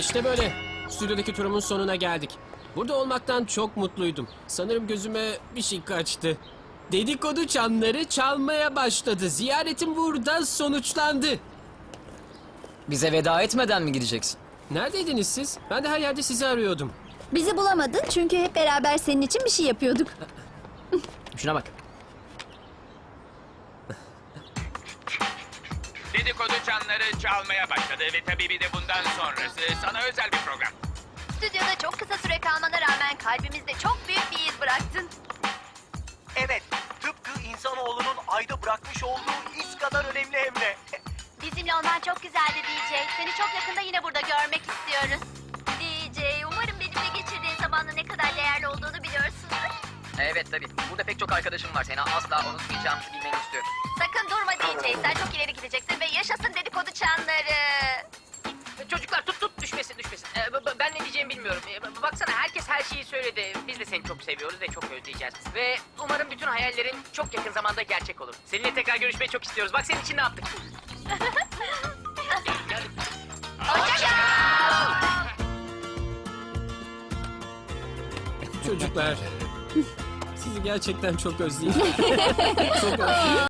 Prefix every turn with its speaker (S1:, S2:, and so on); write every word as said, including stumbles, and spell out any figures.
S1: İşte böyle. Stüdyodaki turumun sonuna geldik. Burada olmaktan çok mutluydum. Sanırım gözüme bir şey kaçtı. Dedikodu çanları çalmaya başladı. Ziyaretim burada sonuçlandı.
S2: Bize veda etmeden mi gideceksin?
S1: Neredeydiniz siz? Ben de her yerde sizi arıyordum.
S3: Bizi bulamadın çünkü hep beraber senin için bir şey yapıyorduk.
S2: Şuna bak.
S4: Dedikodu çanları çalmaya başladı ve tabii bir de bundan sonrası sana özel bir program.
S5: Stüdyoda çok kısa süre kalmana rağmen kalbimizde çok büyük bir iz bıraktın.
S6: Evet, tıpkı insanoğlunun ayda bırakmış olduğu iz kadar önemli hem de.
S5: Bizimle olman çok güzeldi D J. Seni çok yakında yine burada görmek istiyoruz. D J, umarım benimle geçirdiğin zamanın ne kadar değerli olduğunu biliyorsundur.
S2: Evet tabii. Burada pek çok arkadaşım var. Seni asla unutmayacağımızı bilmeni istiyorum.
S5: Sakın durma D J. Sen çok ileri gideceksin ve yaşasın dedikodu çanları.
S7: Çocuklar tut tut düşmesin düşmesin. Ee, b- b- ben ne diyeceğimi bilmiyorum. Ee, b- baksana herkes her şeyi söyledi. Biz de seni çok seviyoruz ve çok özleyeceğiz. Ve umarım bütün hayallerin çok yakın zamanda gerçek olur. Seninle tekrar görüşmeyi çok istiyoruz. Bak senin için ne yaptık.
S1: Çocuklar. Sizi gerçekten çok özleyeceğim. Çok özleyeceğim.